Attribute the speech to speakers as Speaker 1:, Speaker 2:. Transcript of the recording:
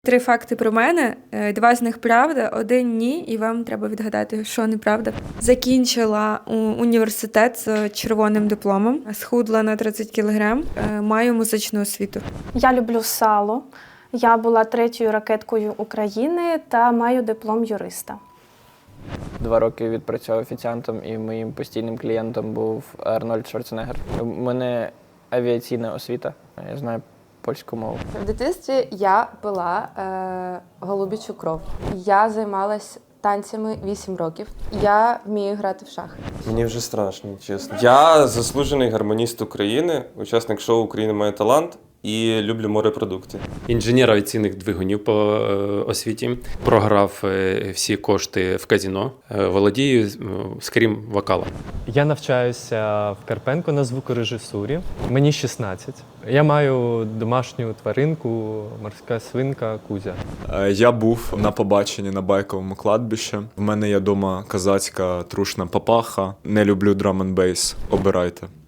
Speaker 1: 3 факти про мене, 2 з них правда, 1 ні, і вам треба відгадати, що неправда. Закінчила університет з червоним дипломом, схудла на 30 кг, маю музичну освіту.
Speaker 2: Я люблю сало. Я була 3-ю ракеткою України та маю диплом юриста.
Speaker 3: 2 роки відпрацював офіціантом, і моїм постійним клієнтом був Арнольд Шварценеггер. У мене авіаційна освіта, я знаю польську мову.
Speaker 4: В дитинстві я пила голубічу кров. Я займалась танцями 8 років. Я вмію грати в шахи.
Speaker 5: Мені вже страшно, чесно. Я заслужений гармоніст України, учасник шоу «Україна має талант» і люблю морепродукти.
Speaker 6: Інженер авіаційних двигунів по освіті. Програв всі кошти в казино. Володію, скрім вокалом.
Speaker 7: Я навчаюся в Карпенко на звукорежисурі. Мені 16. Я маю домашню тваринку, морська свинка Кузя.
Speaker 8: Я був на побаченні на байковому кладбищі. В мене є вдома козацька трушна папаха. Не люблю драм-н-бейс. Обирайте.